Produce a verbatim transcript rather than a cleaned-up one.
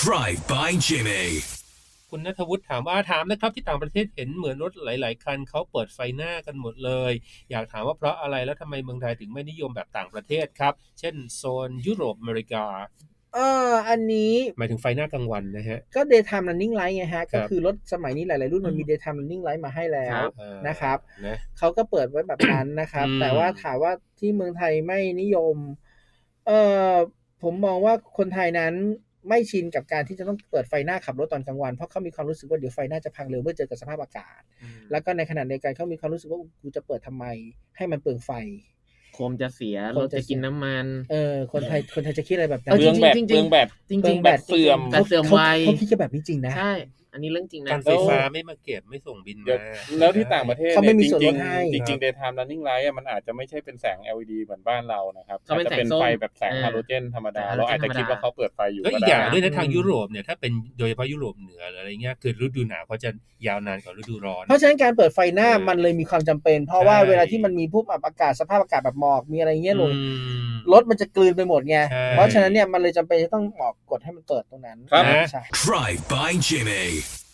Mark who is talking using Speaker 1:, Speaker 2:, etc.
Speaker 1: Drive by Jimmy
Speaker 2: คุณณัฐวุฒิถามว่าถามนะครับที่ต่างประเทศเห็นเหมือนรถหลายๆคันเขาเปิดไฟหน้ากันหมดเลยอยากถามว่าเพราะอะไรแล้วทำไมเมืองไทยถึงไม่นิยมแบบต่างประเทศครับเช่นโซนยุโรปอเมริกา
Speaker 3: เอออันนี้
Speaker 2: หมายถึงไฟหน้ากลางวันนะฮะ
Speaker 3: ก็ daytime running light ไงฮะก็คือรถสมัยนี้หลายๆรุ่นมันมี daytime running light มาให้แล้วนะครับ
Speaker 2: นะ
Speaker 3: เขาก็เปิดไว้แบบนั้นนะครับแต่ว่าถามว่าที่เมืองไทยไม่นิยมเออผมมองว่าคนไทยนั้นไม่ชินกับการที่จะต้องเปิดไฟหน้าขับรถตอนกลางวันเพราะเขามีความรู้สึกว่าเดี๋ยวไฟหน้าจะพังเร็วเมื่อเจอกับสภาพอากาศแล้วก็ในขณะเดียวกันเขามีความรู้สึกว่ากูจะเปิดทำไมให้มันเปลืองไฟ
Speaker 4: โคมจะเสียรถจะกินน้ำมัน
Speaker 3: เออคนไทยคนไทยจะคิดอะไรแบบนั้น
Speaker 5: เปลืองแบตเปลืองแบต
Speaker 4: จริงๆ
Speaker 5: แบตเสื่อม
Speaker 4: แบตเสื่อมไว
Speaker 3: เขาคิดกันแบบนี้จริงนะ
Speaker 4: ใช่อันนี้เรื่องจริงนะ
Speaker 2: การไฟฟ้าไม่มาเก็บไม่ส่งบินมา
Speaker 5: แล้วที่ต่างประเทศ
Speaker 3: เขาไม่มีส่วนลด
Speaker 5: จริง
Speaker 3: ให้
Speaker 5: ๆจริงๆ daytime running light มันอาจจะไม่ใช่เป็นแสง แอล อี ดี เหมือนบ้านเรานะครับอาจจะเป็นไฟแบบแสงฮาโลเจนธรรมดาเราอาจจะคิดว่าเขาเปิดไฟอยู่
Speaker 2: ก็อีกอย่างด้วยนะทางยุโรปเนี่ยถ้าเป็นโดยเฉพาะยุโรปเหนือหรืออะไรเงี้ยคือฤดูหนาวเขาจะยาวนานกว่าฤดูร้อน
Speaker 3: เพราะฉะนั้นการเปิดไฟหน้ามันเลยมีความจำเป็นเพราะว่าเวลาที่มันมีพวกอากาศสภาพอากาศแบบหมอกมีอะไรเงี้ยลงรถมันจะกลืนไปหมดไงเพราะฉะนั้นเนี่ยมันเลยจำเป็นจะต้องหมอกกดให้มันเปิดตรงนั้น
Speaker 5: ครับ
Speaker 3: ใช่
Speaker 1: Drive by Jimmy